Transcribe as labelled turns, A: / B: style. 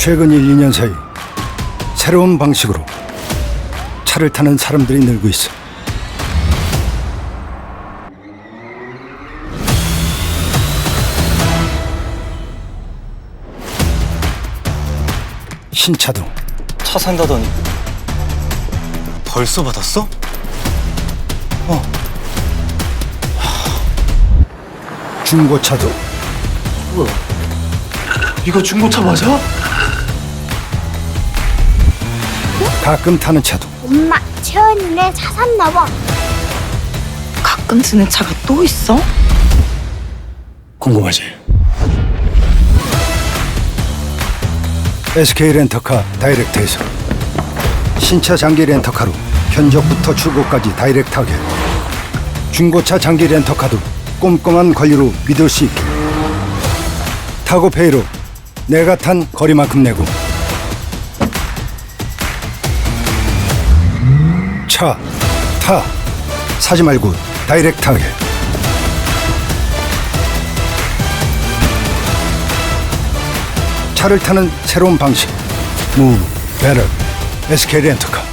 A: 최근 1, 2년 사이 새로운 방식으로 차를 타는 사람들이 늘고 있어. 신차도
B: 차 산다더니 벌써 받았어?
A: 중고차도
B: 이거 중고차 맞아?
A: 가끔 타는 차도
C: 엄마, 채원이네 차 샀나 봐.
D: 가끔 쓰는 차가 또 있어?
A: 궁금하지? SK 렌터카 다이렉트에서 신차 장기 렌터카로 견적부터 출고까지 다이렉트하게, 중고차 장기 렌터카도 꼼꼼한 관리로 믿을 수 있게, 타고페이로 내가 탄 거리만큼 내고, 차, 타, 사지 말고 다이렉트하게. 차를 타는 새로운 방식, 무브, 베럴, SK 렌터카.